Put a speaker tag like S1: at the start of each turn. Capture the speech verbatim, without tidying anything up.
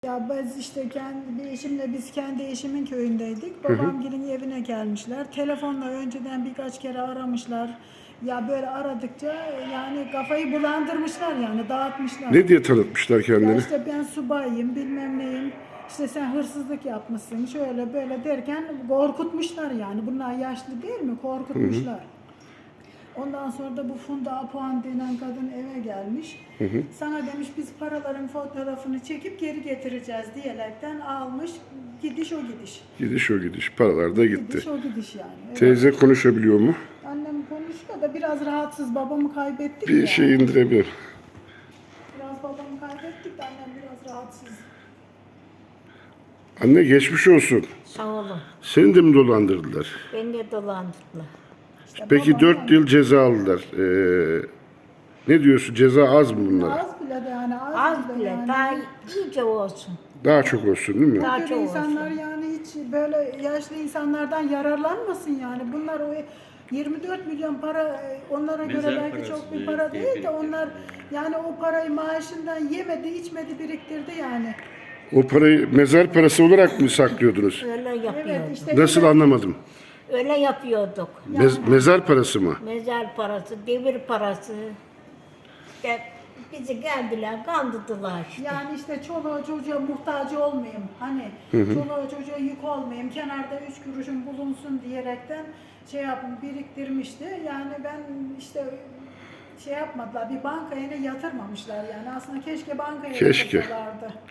S1: Ya biz işte kendi bir eşimle biz kendi eşimin köyündeydik. Babamgilin evine gelmişler. Telefonla önceden birkaç kere aramışlar. Ya böyle aradıkça yani kafayı bulandırmışlar yani dağıtmışlar.
S2: Ne diye tanıtmışlar
S1: Ya
S2: kendilerini?
S1: işte ben subayım bilmem neyim. İşte sen hırsızlık yapmışsın şöyle böyle derken korkutmuşlar yani. Bunlar yaşlı değil mi? Korkutmuşlar. Ondan sonra da bu Funda Apuan denen kadın eve gelmiş.
S2: Hı hı.
S1: Sana demiş biz paraların fotoğrafını çekip geri getireceğiz diyerekten almış. Gidiş o gidiş.
S2: Gidiş o gidiş. Paralar da gitti.
S1: Gidiş o gidiş yani. Evet.
S2: Teyze konuşabiliyor mu?
S1: Annem konuşuyor da biraz rahatsız. Babamı kaybettik
S2: Bir
S1: ya.
S2: şey indirebilir.
S1: Biraz babamı kaybettik de annem biraz rahatsız.
S2: Anne geçmiş olsun.
S3: Sağ olun.
S2: Seni de mi dolandırdılar?
S3: Beni de dolandırdılar.
S1: İşte
S2: Peki
S1: babam
S2: dört
S1: yani-
S2: yıl ceza aldılar. Ee, ne diyorsun? Ceza az mı bunlara?
S1: Az bile de yani az,
S3: Az bile,
S1: yani.
S3: daha iyice olsun.
S2: Daha çok olsun değil mi?
S3: Daha
S1: Böyle
S3: çok
S1: insanlar
S3: olsun.
S1: yani hiç böyle yaşlı insanlardan yararlanmasın yani. Bunlar o yirmi dört milyon para e, onlara göre
S4: Mezar
S1: belki
S4: parası
S1: çok bir
S4: diye
S1: para değil de
S4: biriktirdi
S1: onlar
S4: yani.
S1: yani o parayı maaşından yemedi, içmedi, biriktirdi yani.
S2: O parayı mezar parası olarak mı saklıyordunuz?
S3: Öyle yapıyorduk.
S1: Evet işte
S2: Nasıl anlamadım?
S3: Öyle yapıyorduk.
S2: Mez- mezar parası mı?
S3: Mezar parası, devir parası. İşte bizi geldiler, kandırdılar işte.
S1: yani işte çoluğa çocuğa muhtaç olmayayım. Hani çoluğa çocuğa yük olmayayım. Kenarda üç kuruşum bulunsun diyerekten şey yapın biriktirmişti. Yani ben işte şey yapmadılar. Bir bankaya ne yatırmamışlar yani. Aslında keşke bankaya
S2: Keşke.
S1: yatırsalardı.